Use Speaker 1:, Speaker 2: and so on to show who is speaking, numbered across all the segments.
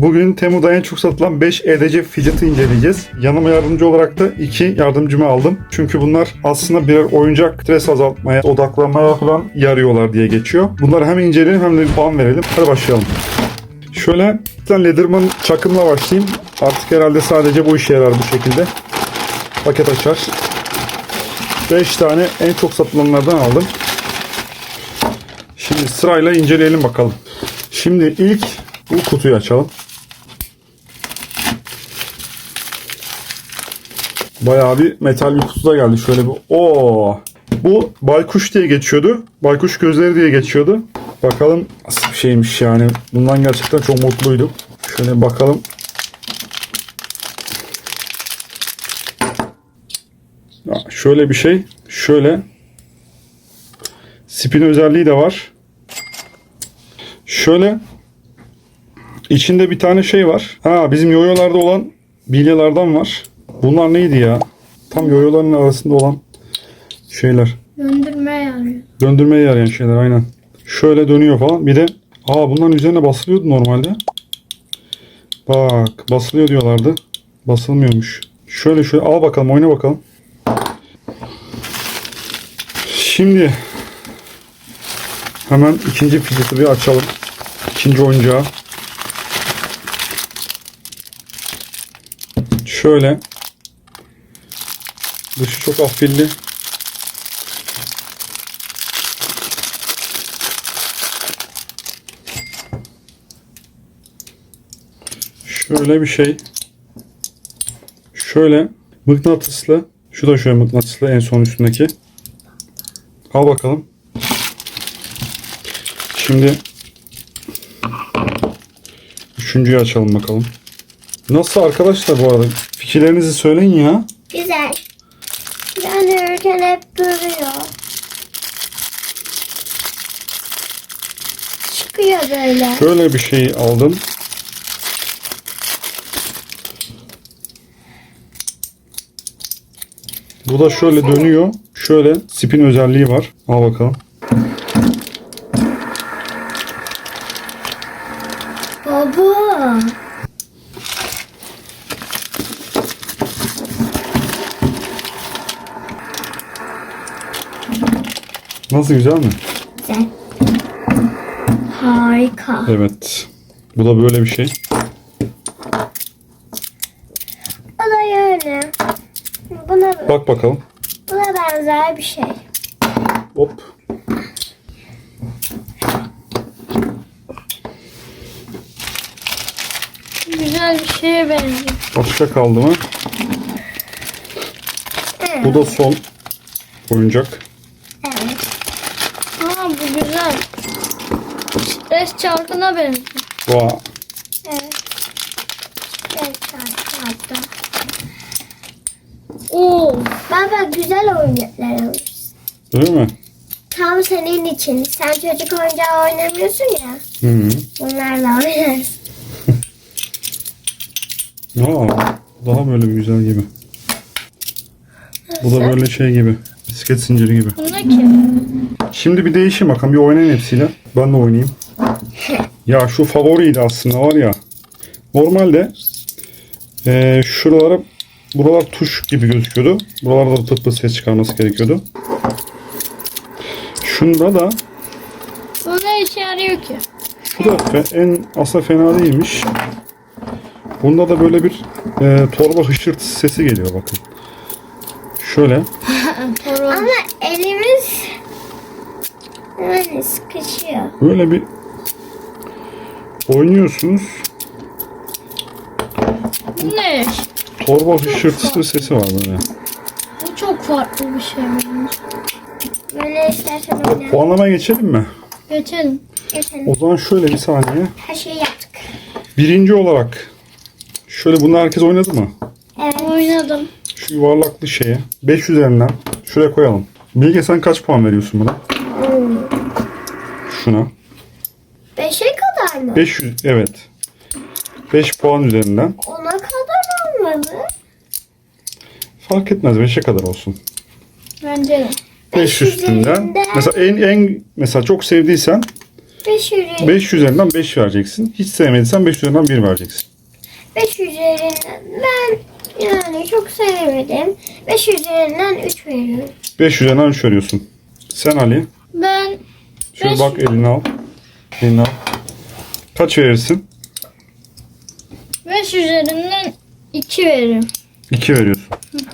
Speaker 1: Bugün Temu'da en çok satılan 5 EDC fidget'ı inceleyeceğiz. Yanıma yardımcı olarak da 2 yardımcımı aldım. Çünkü bunlar aslında birer oyuncak, stres azaltmaya, odaklanmaya falan yarıyorlar diye geçiyor. Bunları hem inceleyelim hem de bir puan verelim. Hadi başlayalım. Şöyle bir tane Leatherman çakımla başlayayım. Artık herhalde sadece bu işe yarar bu şekilde. Paket açar. 5 tane en çok satılanlardan aldım. Şimdi sırayla inceleyelim bakalım. Şimdi ilk bu kutuyu açalım. Bayağı bir metal bir kutuda geldi. Şöyle bir bu baykuş diye geçiyordu. Baykuş gözleri diye geçiyordu. Bakalım nasıl bir şeymiş yani. Bundan gerçekten çok mutluydum. Şöyle bakalım. Şöyle bir şey. Şöyle. Spin özelliği de var. Şöyle. İçinde bir tane şey var. Bizim yoyolarda olan bilyelerden var. Bunlar neydi ya? Tam yoyoların arasında olan şeyler.
Speaker 2: Döndürmeye yarıyor.
Speaker 1: Döndürmeye yarayan şeyler aynen. Şöyle dönüyor falan. Bir de bunların üzerine basılıyordu normalde. Bak basılıyor diyorlardı. Basılmıyormuş. Şöyle al bakalım, oyna bakalım. Şimdi hemen ikinci fidget'ı bir açalım. İkinci oyuncağı. Şöyle. Dışı çok afilli. Şöyle bir şey. Şöyle mıknatıslı. Şu da şöyle mıknatıslı en son üstündeki. Al bakalım. Şimdi üçüncüyü açalım bakalım. Nasıl arkadaşlar bu arada? Fikirlerinizi söyleyin ya.
Speaker 2: Güzel. Döndürürken hep duruyor. Çıkıyor böyle.
Speaker 1: Şöyle bir şey aldım. Bu da şöyle dönüyor. Şöyle spin özelliği var. Al bakalım.
Speaker 2: Baba.
Speaker 1: Nasıl, güzel mi?
Speaker 2: Güzel. Harika.
Speaker 1: Evet. Bu da böyle bir şey.
Speaker 2: O da öyle.
Speaker 1: Bak bakalım.
Speaker 2: Buna benzer bir şey.
Speaker 1: Hop.
Speaker 2: Güzel bir şeye benziyor.
Speaker 1: Başka kaldı mı?
Speaker 2: Evet.
Speaker 1: Bu da son oyuncak.
Speaker 2: Evet. Bu güzel. Stres çarkına benziyor.
Speaker 1: Vay.
Speaker 2: Evet. Stres çarkı hatta. Baba güzel oyuncaklar alırız.
Speaker 1: Değil mi?
Speaker 2: Tam senin için. Sen çocuk oyuncağı oynamıyorsun ya.
Speaker 1: Hı.
Speaker 2: Bunlarla oynarız.
Speaker 1: Daha böyle bir güzel gibi. Bu da böyle şey gibi. Bisiklet zinciri gibi.
Speaker 2: Bunda kim?
Speaker 1: Şimdi bir değişim bakalım. Bir oynayın hepsiyle. Ben de oynayayım. Ya şu favoriydi aslında var ya. Normalde buralar tuş gibi gözüküyordu. Buralarda da tık tık ses çıkarması gerekiyordu. Şunda da
Speaker 2: Bu ne işe yarıyor ki?
Speaker 1: şu da aslında fena değilmiş. Bunda da böyle bir torba hışırtısı sesi geliyor bakın. Şöyle.
Speaker 2: Ama elimiz yani sıkışıyor.
Speaker 1: Böyle bir oynuyorsunuz.
Speaker 2: Bu ne?
Speaker 1: Torba hışırtısı sesi var böyle.
Speaker 2: Bu çok farklı bir şey bence. Böyle istersen oynayalım.
Speaker 1: Puanlamaya geçelim mi?
Speaker 2: Geçelim. Geçelim.
Speaker 1: O zaman şöyle bir saniye.
Speaker 2: Her şeyi yaptık.
Speaker 1: Birinci olarak şöyle bunu herkes oynadı mı?
Speaker 2: Evet. Oynadım.
Speaker 1: Şu yuvarlaklı şeye 5 üzerinden şuraya koyalım. Bilge sen kaç puan veriyorsun buna? Şuna.
Speaker 2: 5'e kadar mı?
Speaker 1: 500 evet. 5 puan üzerinden.
Speaker 2: Ona kadar olmadı.
Speaker 1: Fark etmez 5'e kadar olsun.
Speaker 2: Bence de.
Speaker 1: 5 üstünden. Mesela mesela çok sevdiysen 5 üzerinden 5 vereceksin. Hiç sevmediysen 5 üzerinden 1 vereceksin.
Speaker 2: 5 üzerinden ben yani çok sevmedim. 5 üzerinden 3 veriyorum.
Speaker 1: 5 üzerinden 3 veriyorsun. Sen Ali.
Speaker 2: Ben
Speaker 1: Şöyle
Speaker 2: Beş-
Speaker 1: bak elini al. Elini al. Kaç verirsin?
Speaker 2: 5 üzerinden 2 veririm.
Speaker 1: 2 veriyorsun.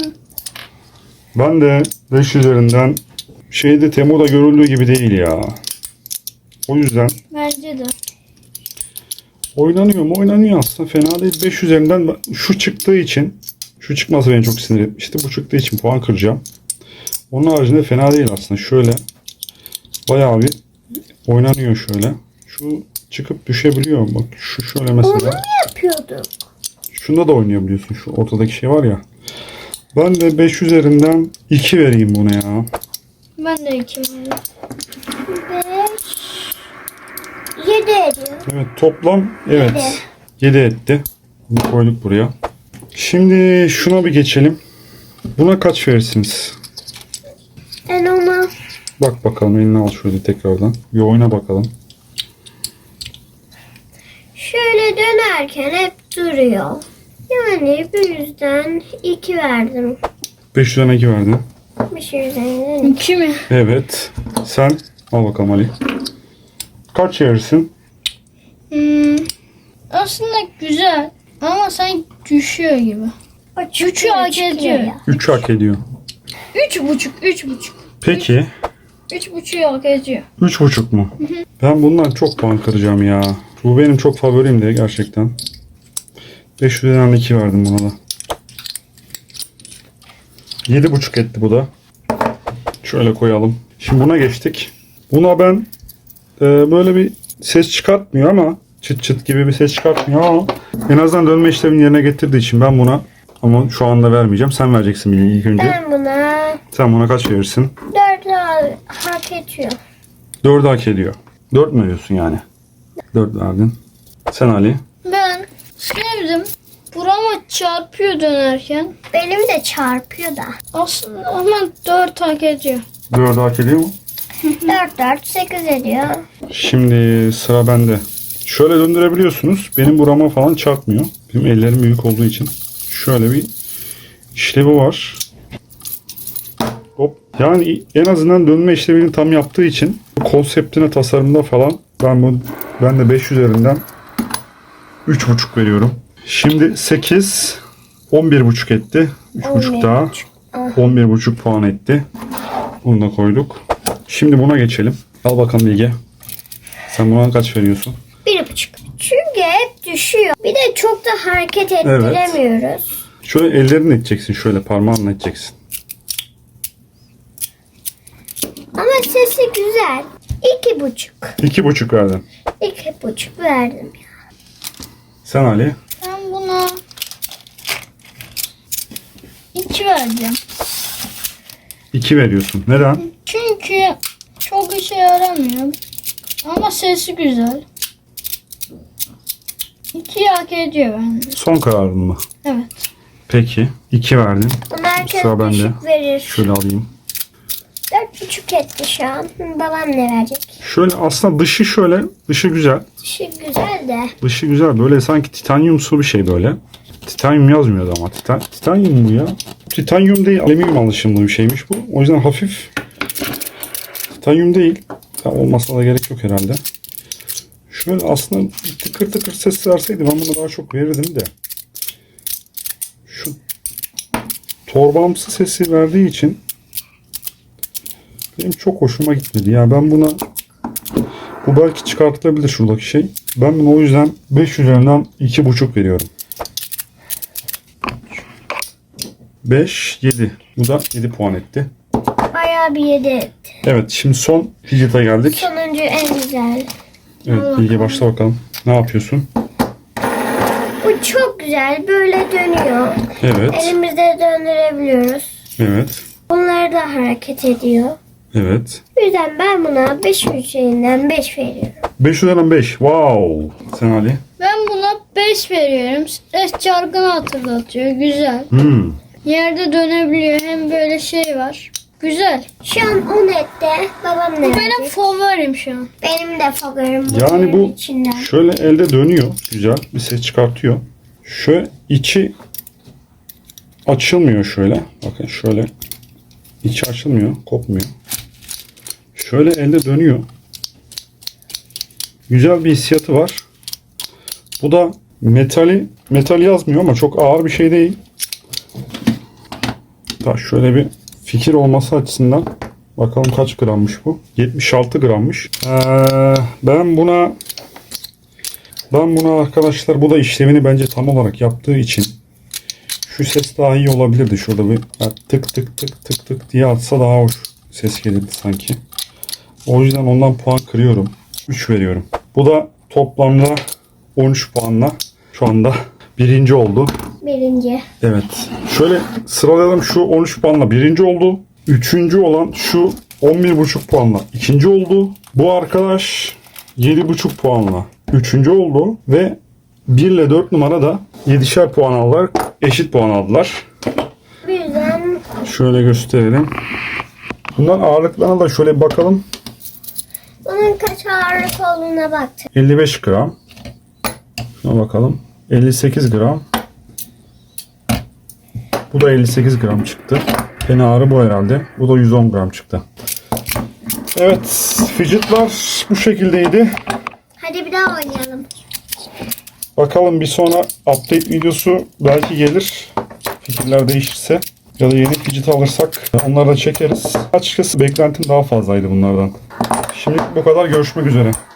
Speaker 1: Ben de 5 üzerinden şeyde Temu'da görüldüğü gibi değil ya. O yüzden
Speaker 2: Bence de.
Speaker 1: oynanıyor mu? Oynanıyor aslında. Fena değil. 5 üzerinden şu çıktığı için, şu çıkması beni çok sinir etmişti. Bu çıktığı için puan kıracağım. Onun haricinde fena değil aslında. Şöyle bayağı bir oynanıyor şöyle. Şu çıkıp düşebiliyor. Bak şu şöyle
Speaker 2: Onu mu
Speaker 1: mesela.
Speaker 2: yapıyorduk?
Speaker 1: Şunda da oynayabiliyorsun. Şu ortadaki şey var ya. Ben de 5 üzerinden 2 vereyim buna ya.
Speaker 2: Ben de 2 veririm. 5 7 ediyor.
Speaker 1: Evet toplam evet 7 etti. Bunu koyduk buraya. Şimdi şuna bir geçelim. Buna kaç verirsiniz?
Speaker 2: Ben ona
Speaker 1: Bak bakalım eline al şöyle tekrardan. Bir oyna bakalım.
Speaker 2: şöyle dönerken hep duruyor. Yani bu yüzden 2 verdim.
Speaker 1: 5 üzerinden 2 verdin.
Speaker 2: 5 üzerinden 2 mi?
Speaker 1: Evet. Sen al bakalım Ali. Kaç verirsin?
Speaker 3: Aslında güzel ama sanki düşüyor gibi.
Speaker 2: O
Speaker 3: Üçü hak ediyor.
Speaker 1: 3 hak ediyor.
Speaker 3: 3,5.
Speaker 1: Peki
Speaker 3: 3,5 hak ediyor.
Speaker 1: 3,5 mu? Ben bundan çok puan kıracağım ya. Bu benim çok favorim de gerçekten. 5 üzerinden 2 verdim buna da. 7,5 etti bu da. Şöyle koyalım. Şimdi buna geçtik. Buna ben böyle bir ses çıkartmıyor ama çıt çıt gibi bir ses çıkartmıyor ama en azından dönme işlemini yerine getirdiği için ben buna ama şu anda vermeyeceğim. Sen vereceksin ilk önce.
Speaker 2: Ben buna
Speaker 1: Sen buna kaç verirsin?
Speaker 2: 4 hak ediyor.
Speaker 1: 4 hak ediyor. 4 mü veriyorsun yani? 4 verdin. Sen Ali.
Speaker 3: Ben sevdim. Burama çarpıyor dönerken.
Speaker 2: Benim de çarpıyor da.
Speaker 3: Aslında ama 4 hak ediyor.
Speaker 1: 4 hak ediyor mu?
Speaker 2: 4 8 ediyor.
Speaker 1: Şimdi sıra bende. Şöyle döndürebiliyorsunuz. Benim burama falan çarpmıyor. Benim ellerim büyük olduğu için. Şöyle bir işlevi var. Hop. Yani en azından dönme işlevini tam yaptığı için konseptine, tasarımda falan ben de 5 üzerinden 3,5 veriyorum. Şimdi 8 11,5 etti. 3,5 daha 11,5 puan etti. Bunu da koyduk. Şimdi buna geçelim. Al bakalım Bilge. Sen buna kaç veriyorsun?
Speaker 2: 1,5. Çünkü hep düşüyor. Bir de çok da hareket ettiremiyoruz.
Speaker 1: Şöyle ellerini edeceksin. Şöyle parmağınla edeceksin.
Speaker 2: Ama sesi güzel. 2,5.
Speaker 1: 2,5 verdin.
Speaker 2: 2,5 verdim.
Speaker 1: Sen Ali.
Speaker 3: Ben buna 2 vereceğim.
Speaker 1: 2 veriyorsun. Neden?
Speaker 3: Çünkü çok işe yaramıyor. Ama sesi güzel. 2 hak ediyor bence.
Speaker 1: Son kararın mı?
Speaker 3: Evet.
Speaker 1: Peki. 2 verdin.
Speaker 2: Bunu herkes
Speaker 1: Sıra bende.
Speaker 2: düşük verir.
Speaker 1: Şöyle alayım.
Speaker 2: 4,5 etti şu an. Babam ne verecek?
Speaker 1: Şöyle aslında dışı güzel.
Speaker 2: Dışı güzel de.
Speaker 1: Dışı güzel. Böyle sanki titanyumsu bir şey böyle. Titanyum yazmıyordu ama. Titanyum bu ya. Titanyum değil. Alüminyum alışımlı bir şeymiş bu. O yüzden hafif. Titanyum değil. Ya olmasına da gerek yok herhalde. Şöyle aslında bir tıkır tıkır ses verseydi ben buna daha çok verirdim de. Şu torbamsı sesi verdiği için benim çok hoşuma gitmedi. Ya ben buna bu belki çıkartılabilir şuradaki şey. Ben buna o yüzden 5 üzerinden 2,5 veriyorum. 5, 7. Bu da 7 puan etti.
Speaker 2: Bayağı bir 7 etti.
Speaker 1: Evet şimdi son fidget'a geldik.
Speaker 2: Sonuncu en güzel.
Speaker 1: Evet Bilge başla bakalım. Ne yapıyorsun?
Speaker 2: Bu çok güzel. Böyle dönüyor.
Speaker 1: Evet.
Speaker 2: Elimizde döndürebiliyoruz.
Speaker 1: Evet.
Speaker 2: Bunlar da hareket ediyor.
Speaker 1: Evet.
Speaker 2: O yüzden ben buna 5 üzerinden 5 veriyorum.
Speaker 1: 5 üzerinden 5. Wow. Sen Ali?
Speaker 3: Ben buna 5 veriyorum. Stres çarkını hatırlatıyor. Güzel.
Speaker 1: Hmm.
Speaker 3: Yerde dönebiliyor. Hem böyle şey var. Güzel.
Speaker 2: Şu an 10 etti. Babam ne
Speaker 3: Bu benim
Speaker 2: verecek?
Speaker 3: favorim şu an.
Speaker 2: Benim de favorim
Speaker 1: Yani bu
Speaker 2: içinden.
Speaker 1: şöyle elde dönüyor. Güzel bir ses çıkartıyor. Şöyle içi açılmıyor şöyle. Bakın şöyle. İçi açılmıyor. Kopmuyor. Şöyle elde dönüyor. Güzel bir hissiyatı var. Bu da metal yazmıyor ama çok ağır bir şey değil. Da şöyle bir fikir olması açısından bakalım kaç grammış bu? 76 grammış. Ben buna arkadaşlar, bu da işlevini bence tam olarak yaptığı için şu ses daha iyi olabilirdi. Şurada bir tık tık tık tık tık diye atsa daha hoş ses gelirdi sanki. O yüzden ondan puan kırıyorum. 3 veriyorum. Bu da toplamda 13 puanla şu anda birinci oldu.
Speaker 2: Birinci.
Speaker 1: Evet. Şöyle sıralayalım. Şu 13 puanla birinci oldu. Üçüncü olan şu 11,5 puanla ikinci oldu. Bu arkadaş 7,5 puanla üçüncü oldu. Ve 1 ile 4 numara da 7'şer puan aldılar. Eşit puan aldılar.
Speaker 2: Bu yüzden
Speaker 1: Şöyle gösterelim. Bunların ağırlıklarına da şöyle bir bakalım.
Speaker 2: bunun kaç ağırlık olduğuna baktım.
Speaker 1: 55 gram. Şuna bakalım. 58 gram. Bu da 58 gram çıktı. En ağırı bu herhalde. Bu da 110 gram çıktı. Evet. Fidget'lar bu şekildeydi.
Speaker 2: Hadi bir daha oynayalım.
Speaker 1: Bakalım bir sonra update videosu belki gelir. Fikirler değişirse. Ya da yeni fidget alırsak onları da çekeriz. Açıkçası beklentim daha fazlaydı bunlardan. Şimdilik bu kadar. Görüşmek üzere.